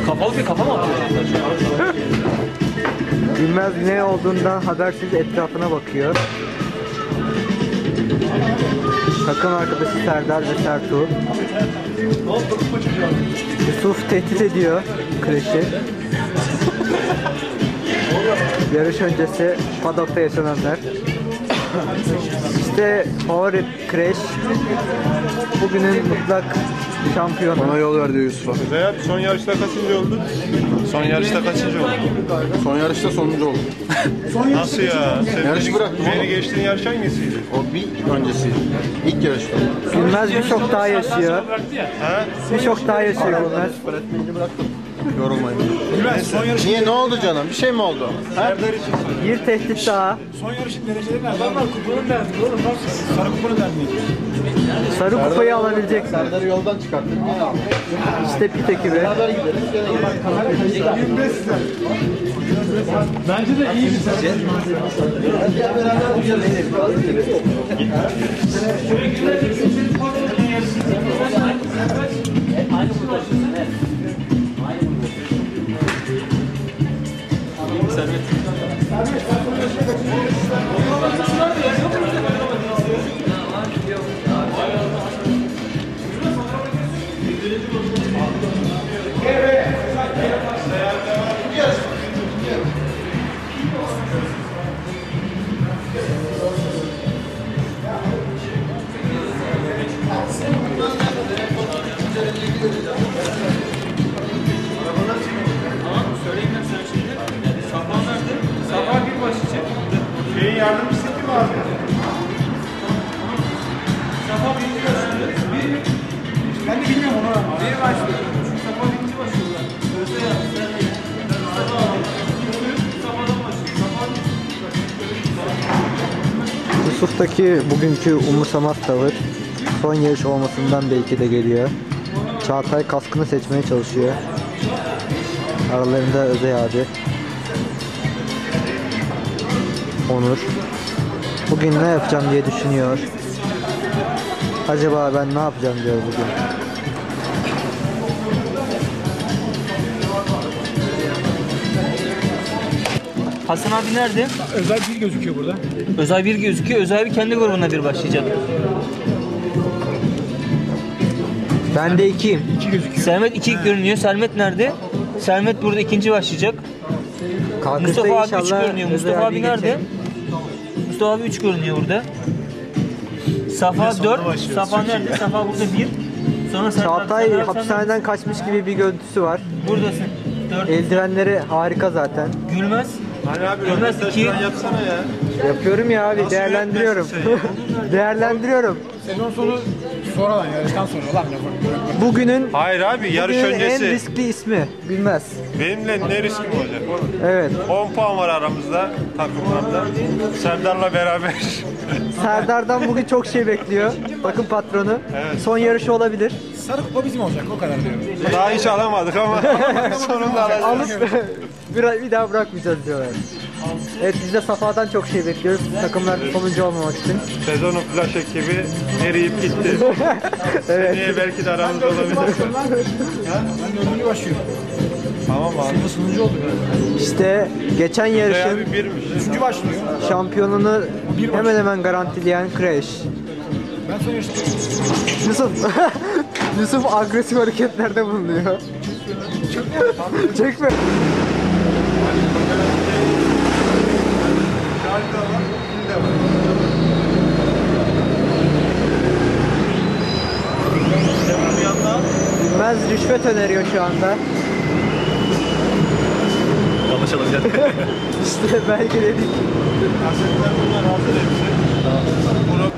Kapalı bir kafa mı atıyor? Bilmez ne olduğundan habersiz etrafına bakıyor. Takım arkadaşı Serdar ve Sertu. Yusuf tehdit ediyor Crash'i. Yarış öncesi paddock'ta yaşananlar. İşte favori Crash. Bugünün mutlak şampiyonu. Bana yol ver diyor Yusuf'a. Veya son yarışta kaçıncı oldu? Son yarışta kaçıncı oldu? Son yarışta sonuncu oldu. Nasıl ya? Sen Yarışı bıraktım beni oğlum. geçtiğin yarış hangisiydi? O bir öncesi. İlk yarışta. Bilmez birçok daha yaşıyor. Ha? Birçok daha yaşıyor Bilmez. Öğretmenini bıraktım. Yorulmayın. Niye, ne oldu canım? Bir şey mi oldu? Serdar için söyle. Bir tehdit daha. Son yarışın dereceleri nerede? Adamlar kupanın derdi oğlum. Bak sarı kupanın derdi. Sarı kupayı alabilecek. Serdar'ı yoldan çıkarttık. İşte pit ekibi. Beraber gideriz. Bence de iyi bir sence. Şeyin yardımcısı kim abi? Ben de bilmiyorum onu ama. Bir başlıyor. Yusuf'taki bugünkü umursamaz tavır son yarış olmasından belki de geliyor. Çağatay kaskını seçmeye çalışıyor. Aralarında Özey abi. Onur. Bugün ne yapacağım diye düşünüyor. Acaba ben ne yapacağım diyor bugün. Hasan abi nerede? Özel bir gözüküyor burada. Özel bir gözüküyor. Özel bir kendi grubuna bir başlayacak. Ben de 2'yim. İki gözüküyor. Sermet 2 görünüyor. Sermet nerede? Sermet burada ikinci başlayacak. Kalkışta Mustafa abi 3 inşallah görünüyor. Özey Mustafa abi abiyi nerede? geçerim. Mustafa abi 3 görünüyor burada. Safa 4. Safa nerede? Safa burada 1. Sonra Çağatay Serdar hapishaneden kaçmış gibi bir görüntüsü var. buradasın. 4. Eldivenleri harika zaten. Gülmez. Hani abi Bilmez röportaj iki. falan yapsana ya. Yapıyorum ya abi, Nasıl değerlendiriyorum. yönetmezsin Değerlendiriyorum. Sezon sonu sonradan yarıştan sonra lan ne Bugünün Hayır abi yarış bugünün en öncesi. riskli ismi. Bilmez. Benimle ne riskim olacak oğlum? Evet. 10 puan var aramızda takımlarda. Serdar'la beraber. Serdar'dan bugün çok şey bekliyor. Takım patronu. Evet. Son yarışı olabilir. Sarı kupa bizim olacak o kadar diyorum. Daha hiç alamadık ama sonunda alacağız. Alıp bir daha bırakmayacağız diyorlar. Evet, biz de Safa'dan çok şey bekliyoruz. Takımlar sonuncu olmamak için. Sezonun flash ekibi eriyip gitti. Evet. Seneye belki de aramızda olabilir. Ben dördüncü başlıyorum. Tamam abi. Sezon sonuncu olduk. İşte geçen Veya yarışın bir birmiş. Üçüncü başlıyor. şampiyonunu hemen hemen garantileyen Crash. Ben son yarışta Yusuf Yusuf agresif hareketlerde bulunuyor. Çekme. Bilmez rüşvet öneriyor şu anda. Anlaşalım gel. İşte belki dedik. Kasetler bunlar hazır hepsi.